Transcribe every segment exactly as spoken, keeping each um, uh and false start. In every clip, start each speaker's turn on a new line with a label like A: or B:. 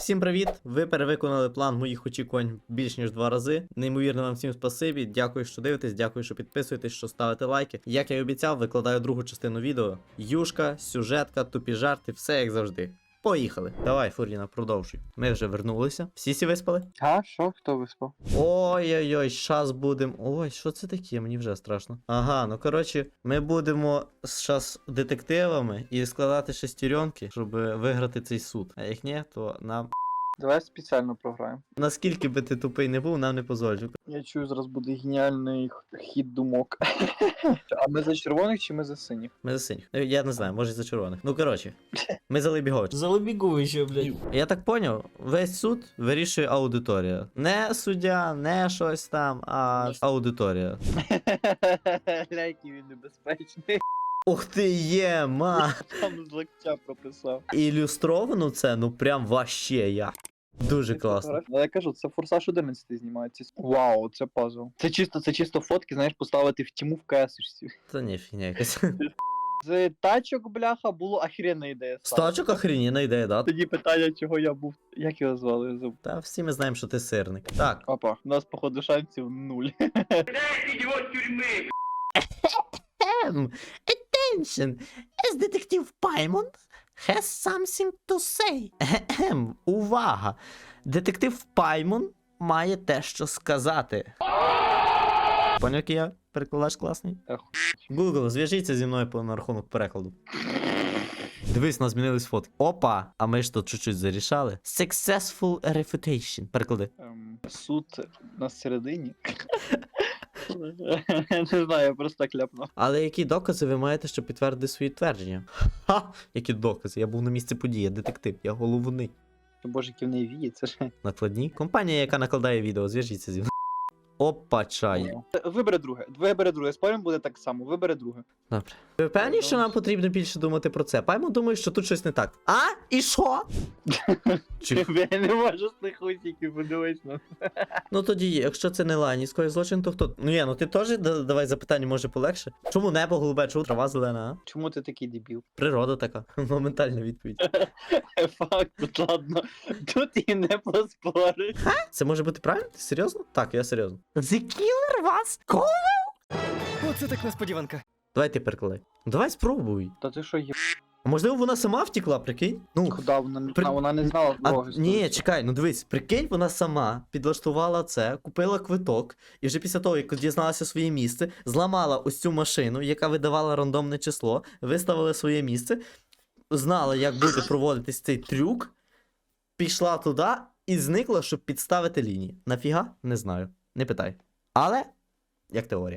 A: Всім привіт! Ви перевиконали план моїх очікувань більш ніж два рази. Неймовірно вам всім спасибі. Дякую, що дивитесь, дякую, що підписуєтесь, що ставите лайки. Як я і обіцяв, викладаю другу частину відео. Юшка, сюжетка, тупі жарти, все як завжди. Поїхали. Давай, Фуріна, продовжуй. Ми вже вернулися. Всі сі виспали?
B: А, що? Хто виспав?
A: Ой-ой-ой, щас будемо. Ой, що це таке? Мені вже страшно. Ага, ну коротше, ми будемо щас детективами і складати шестеренки, щоб виграти цей суд. А як ні, то нам.
B: Давай спеціально програємо.
A: Наскільки би ти тупий не був, нам не позволю.
B: Я чую, зараз буде геніальний х- хід думок. А ми за червоних чи ми за синіх?
A: Ми за синіх. Ну, я не знаю, може за червоних. Ну коротше, ми за Лебігович.
C: За Лебіговича, блядь.
A: Я так поняв, весь суд вирішує аудиторія. Не суддя, не щось там, а аудиторія.
B: Ляйки він небезпечний.
A: Ух ти є, ма!
B: Там з локтя прописав.
A: Ілюстровано це, ну прям ваще як. Дуже класно.
B: Ну, я кажу, це Форсаж одинадцять знімається. Вау, це пазл. Це чисто, це чисто фотки, знаєш, поставити в тіму в КС-очці.
A: Та ні, фігня якась.
B: З тачок, бляха, було охеренна ідея.
A: Стачок охренєна ідея, да?
B: Тоді питання, чого я був. Як його звали? Я забув.
A: Та всі ми знаємо, що ти сирник. Так.
B: Опа, у нас, походу, шансів нуль.
A: Um, attention, as Detective Paimon has something to say. Ем, увага! Детектив Паймон має те, що сказати. Поняв, який я перекладач класний?
B: Ах.
A: Google, зв'яжіться зі мною по на рахунок перекладу. Дивись, у нас змінились фотки. Опа! А ми ж тут чуть-чуть зарішали. Successful refutation. Переклади.
B: Ем, суд на середині. Не знаю, я просто так ляпнув.
A: Але які докази ви маєте, щоб підтвердити свої твердження? Ха! Які докази? Я був на місці події, детектив, я головний.
B: Боже, які в неї вії, це ж.
A: Накладні? Компанія, яка накладає відео, зв'яжіться зі мною. Опа, чай.
B: Вибери друге. Вибери друге. Спорим, буде так само. Вибери друге.
A: Добре. Ви впевнені, що нам потрібно більше думати про це? Паймо думає, що тут щось не так. А? І що? Чи...
B: Я не можу з тих усіків, подивись на.
A: Ну тоді, якщо це не ланівський злочин, то хто? Ну є, ну ти теж да- давай запитання, може полегше. Чому небо голубе, чому трава зелена, а?
B: Чому ти такий дебіл?
A: Природа така. Моментальна відповідь.
B: Факт, тут ладно. Тут і не поспориш.
A: Це може бути правильно? Ти серйозно? Так, я серйозно. The killer was cool?
C: Оце так несподіванка.
A: Давай ти перекладай. Давай спробуй.
B: Та ти що є?
A: А можливо вона сама втекла, прикинь? Ну,
B: Куда вона не
A: При-
B: знала, вона не знала
A: а,
B: дороги.
A: ні, чекай, ну дивись, прикинь, вона сама підлаштувала це, купила квиток, і вже після того, як дізналася своє місце, зламала ось цю машину, яка видавала рандомне число, виставила своє місце, знала, як буде проводитись цей трюк, пішла туди і зникла, щоб підставити лінії. Нафіга? Не знаю. Не питай. Але, як теорія.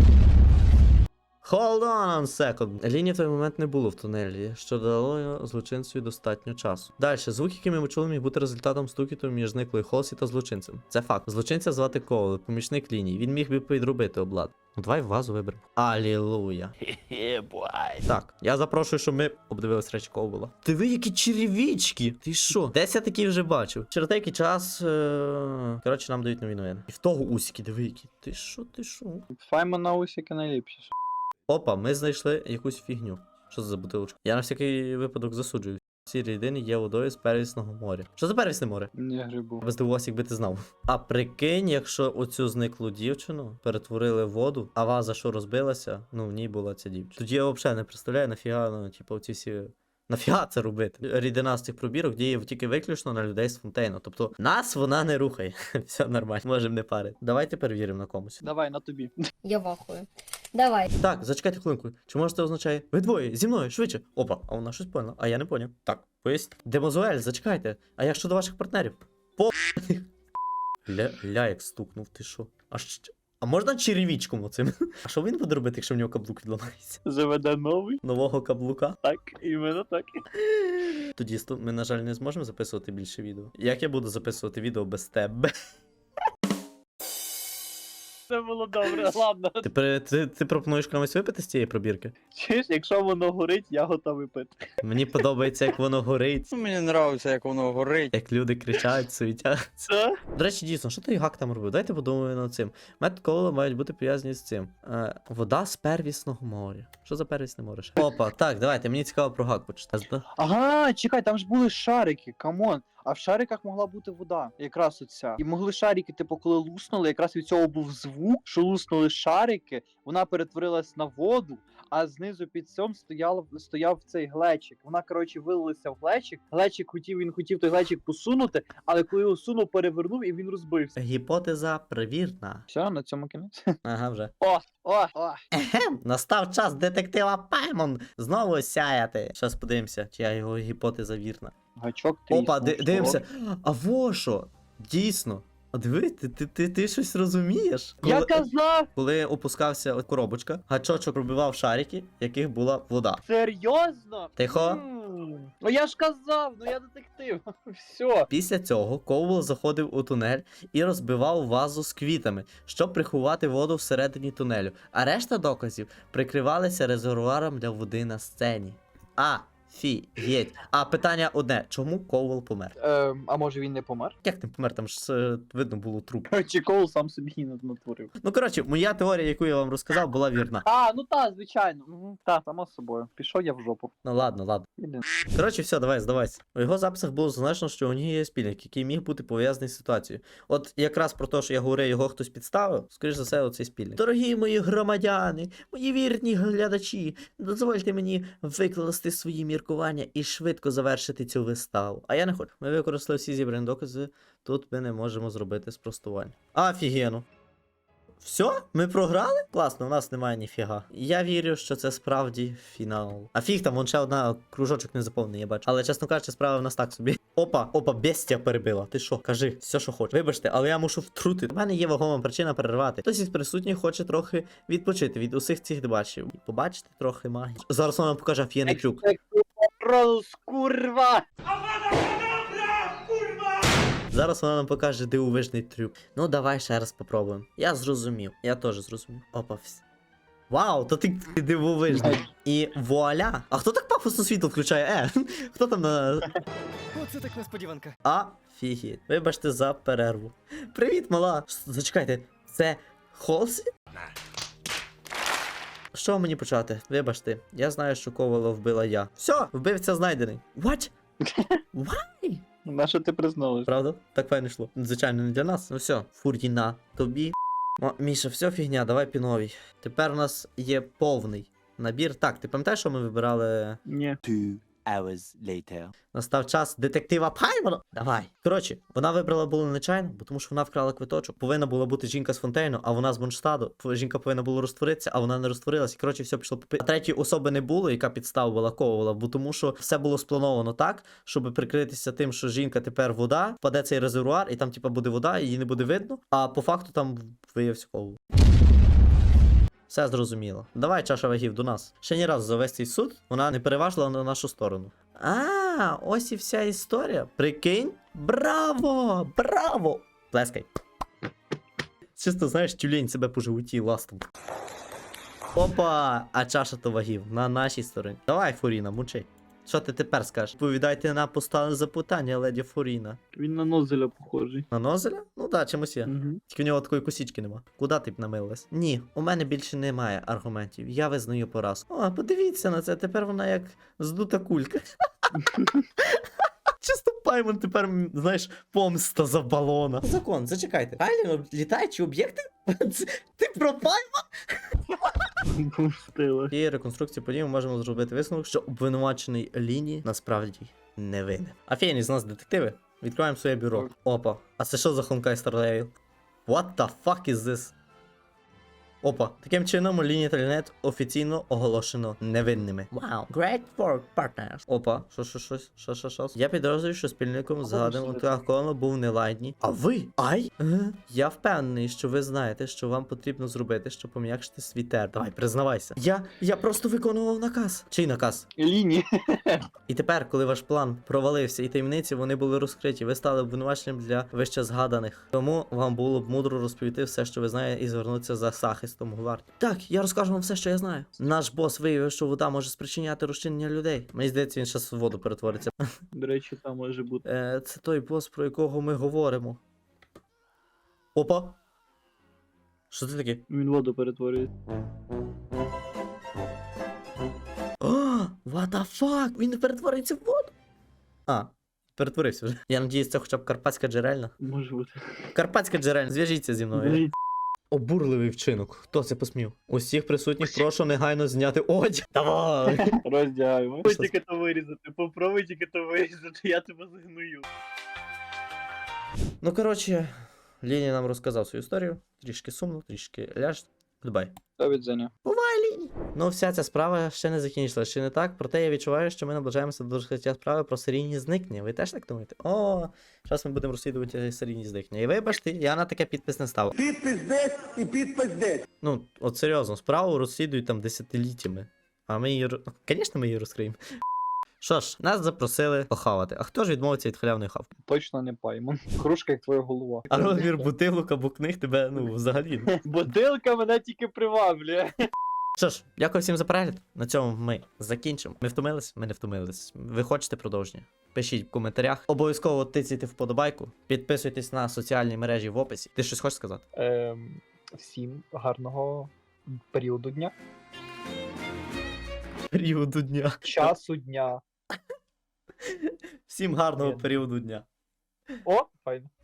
A: Hold on one second. Лінії в той момент не було в тунелі, що дало злочинцю достатньо часу. Далі, звук, який ми чули, міг бути результатом стукіту між зниклою Холсі та злочинцем. Це факт. Злочинця звати Коул, помічник лінії. Він міг би підробити облад. Ну давай вазу виберемо. Алілуя. Так, я запрошую, щоб ми обдивились речі Коула. Диви, які черевички! Ти що? Десь я такі вже бачив. Через деякий час. Е... Коротше, нам дають нові новини. І в того усіки, диви, які. Ти що, ти що?
B: Файма на усіки найліпші.
A: Опа, ми знайшли якусь фігню. Що це за бутилочка? Я на всякий випадок засуджую. Ці рідини є водою з первісного моря. Що за первісне море?
B: Не грибу.
A: Я би здивувався, якби ти знав. А прикинь, якщо оцю зниклу дівчину перетворили в воду, а ваза, що розбилася, ну в ній була ця дівчина. Тоді я взагалі не представляю, нафіга, ну, типу, оці всі. Нафіга це робити? Рідина з цих пробірок діє тільки виключно на людей з фонтейну. Тобто нас вона не рухає. Все нормально, можемо не парити. Давайте перевіримо на комусь.
B: Давай, на тобі.
D: Я вахую. Давай.
A: Так, зачекайте хвилинку. Чи може це означає? Ви двоє, зі мною, швидше. Опа, а вона щось поняла, а я не поняв. Так, поясніть. Демозуель, зачекайте. А як щодо ваших партнерів? По Ля, ля як стукнув, ти що? А щ... А можна черевичком оцим? А що він буде робити, якщо в нього каблук відламається?
B: Заведе новий.
A: Нового каблука?
B: Так, іменно так.
A: Тоді сто- ми, на жаль, не зможемо записувати більше відео. Як я буду записувати відео без тебе?
B: Це було добре, ладно.
A: Ти, при- ти, ти пропонуєш комусь випити з цієї пробірки?
B: Чуєш, якщо воно горить, я готовий пити.
A: Мені подобається, як воно горить,
C: Мені подобається, як воно горить.
A: як люди кричать, суетяться.
B: Це?
A: До речі, дійсно, що той гак там робив? Давайте подумаємо над цим. Метод Коула мають бути пов'язані з цим. Е, вода з первісного моря. Що за первісне море? ще? Опа, так, давайте, мені цікаво про гак почитати.
B: Ага, чекай, там ж були шарики, камон. А в шариках могла бути вода, якраз оця. І могли шарики, типу, коли луснули, якраз від цього був звук, що луснули шарики, вона перетворилась на воду, а знизу під цьом стояв, стояв цей глечик. Вона, коротше, вилилася в глечик. Глечик хотів, він хотів той глечик посунути, але коли його сунув, перевернув і він розбився.
A: Гіпотеза перевірна.
B: Все, на цьому кінець.
A: Ага, вже.
B: О, о, о.
A: Ехем, настав час детектива Паймон знову сяяти. Щас подивимося, чия його гіпотеза вірна.
B: Гачок ти.
A: Опа, ди- дивимося. А во що? Дійсно. А диви, ти, ти, ти, ти щось розумієш?
B: Я
A: Коли,
B: казав!
A: коли опускався от коробочка, гачочок пробивав шарики, в яких була вода.
B: Серйозно?
A: Тихо.
B: М. Ну я ж казав, ну я детектив. Все.
A: Після цього Коул заходив у тунель і розбивав вазу з квітами, щоб приховати воду всередині тунелю. А решта доказів прикривалися резервуаром для води на сцені. А, фі, єдь. А питання одне: чому Коул помер?
B: Ем, а може він не помер?
A: Як не помер? Там ж е, видно було труп.
B: Чи Коул сам собі не натворив?
A: Ну коротше, моя теорія, яку я вам розказав, була вірна.
B: А, ну та, звичайно. Угу. Та, само собою. Пішов я в жопу.
A: Ну ладно, ладно.
B: Іди.
A: Коротше, все, давай, здавайся. У його записах було зазначено, що у нього є спільник, який міг бути пов'язаний з ситуацією. От якраз про те, що я говорю, його хтось підставив, скоріш за все, оцей спільник. Дорогі мої громадяни, мої вірні глядачі, дозвольте мені викласти свої міркування і швидко завершити цю виставу. А я не хочу. Ми використали всі зібрані докази, тут ми не можемо зробити спростування. Офігенно. Все? Ми програли? Класно, у нас немає ніфіга. Я вірю, що це справді фінал. А фіг там, вон ще одна кружочок не заповнений, я бачу. Але, чесно кажучи, справа в нас так собі. Опа, опа, бестія перебила. Ти що? Кажи, все, що хочеш. Вибачте, але я мушу втрутити. У мене є вагома причина перервати. Хтось із присутніх хоче трохи відпочити від усіх цих дебачів. І побачити трохи магії. Зараз вона нам покаже офігенний трюк.
B: Ролс, курва!
A: Зараз вона нам покаже дивовижний трюк. Ну, давай ще раз попробуємо. Я зрозумів. Я теж зрозумів. Опа, все. Вау, то ти дивовижний. І вуаля. А хто так пафосно світло включає? Е, хто там на.
C: Оце так несподіванка.
A: Афігеть. Вибачте за перерву. Привіт, мала. Ш- Зачекайте, це Холсі? Що мені почати? Вибачте, я знаю, що Ковала вбила я. Все, вбивця знайдений. What? Why?
B: На що ти призналась?
A: Правда? Так файно йшло. Звичайно, не для нас. Ну все, Фуріна, тобі. О, Міша, все фігня, давай піновій. Тепер у нас є повний набір. Так, ти пам'ятаєш, що ми вибирали?
B: Ні.
E: Two hours later.
A: Настав час детектива Паймона. Давай. Коротше, вона вибрала було нечайно, бо тому що вона вкрала квиточок. Повинна була бути жінка з Фонтейну, а вона з Бонштаду. П- Жінка повинна була розтворитися, а вона не розтворилась. І коротше, все пішло по пи- А третьої особи не було, яка підставила Ковала, бо тому що все було сплановано так, щоб прикритися тим, що жінка тепер вода, впаде цей резервуар, і там, типа, буде вода, і її не буде видно. А по факту там виявився Ковал. Все зрозуміло. Давай, чаша вагів, до нас. Ще ні разу за весь цей суд вона не переважила на нашу сторону. А, ось і вся історія. Прикинь? Браво! Браво! Плескай. Чисто, знаєш, тюлень себе по животі ластом. Опа! А чаша то вагів на нашій стороні. Давай, Фуріна, мучи. Що ти тепер скажеш? Повідайте на поставлене запитання, леді Фуріна.
B: Він на Нозеля похожий.
A: На Нозеля? Ну да, чимось є.
B: Угу.
A: Тільки в нього такої косічки нема. Куди ти б намилилась? Ні, у мене більше немає аргументів. Я визнаю поразку. О, подивіться на це, тепер вона як здута кулька. Чисто Паймон тепер, м, знаєш, помста за балона. Закон, зачекайте. Реально літаючі об'єкти? Це- Ти про Паймон?
B: Пустила.
A: Цієї реконструкції подій ми можемо зробити висновок, що обвинувачений Ліні насправді не винен. Офігенні з нас детективи. Відкриваємо своє бюро. Опа. А це що за Honkai Star Rail? What the fuck is this? Опа. Таким чином, Ліні та Лінет офіційно оголошено невинними. Вау. Great work, partners. Опа. Що, що, щось? Що, що, що? Я підозрюю, що спільником згаданим у Теахкону був не Лайдні. А ви? Ай? Е? Я впевнений, що ви знаєте, що вам потрібно зробити, щоб пом'якшити свій тер. Давай, признавайся. Я, я просто виконував наказ. Чий наказ?
B: Лінії.
A: І тепер, коли ваш план провалився і таємниці вони були розкриті, ви стали обвинуваченням для вище згаданих. Тому вам було б мудро розповісти все, що ви знаєте, і звернутися за захистом у гвардії. Так, я розкажу вам все, що я знаю. Наш бос виявив, що вода може спричиняти розчинення людей. Мені здається, він зараз в воду перетвориться.
B: До речі, там може бути.
A: Е, це той бос, про якого ми говоримо. Опа. Що це таке?
B: Він воду перетворює.
A: О, what the fuck? Він не перетвориться в воду? А, перетворився вже. Я надіюсь, це хоча б карпатська джерельна.
B: Може бути.
A: Карпатська джерельна, зв'яжіться зі мною. Обурливий вчинок. Хто це посмів? Усіх присутніх прошу негайно зняти одяг. Давай!
B: Роздягаємо.
A: Попробуй тільки
B: то вирізати, попробуй тільки то вирізати, я тебе загную.
A: Ну, коротше, Ліні нам розказав свою історію. Трішки сумно, трішки ляж. Goodbye.
B: До відзення.
A: Ну, вся ця справа ще не закінчилася, ще не так. Проте я відчуваю, що ми наближаємося до розкриття справи про серійні зникнення. Ви теж так думаєте? О, зараз ми будемо розслідувати серійні зникнення. І вибачте, я на таке підпис не ставив.
F: Підпис десь і підпис десь.
A: Ну, от серйозно, справу розслідують там десятиліттями. А ми її. ро- Звісно, ми її розкриємо. Що ж, нас запросили похавати. А хто ж відмовиться від халявної хавки?
B: Точно не паймон. Кружка, як твоя голова.
A: А розмір бутилок або книг тебе, ну, взагалі. ну.
B: Бутилка мене тільки приваблює.
A: Що ж, дякую всім за перегляд. На цьому ми закінчимо. Ми втомились? Ми не втомились. Ви хочете продовження? Пишіть в коментарях. Обов'язково тицяйте вподобайку. Підписуйтесь на соціальні мережі в описі. Ти щось хочеш сказати?
B: Ем, всім гарного періоду дня.
A: Періоду дня.
B: Часу дня.
A: Всім гарного
B: Ні.
A: періоду дня.
B: О, файно.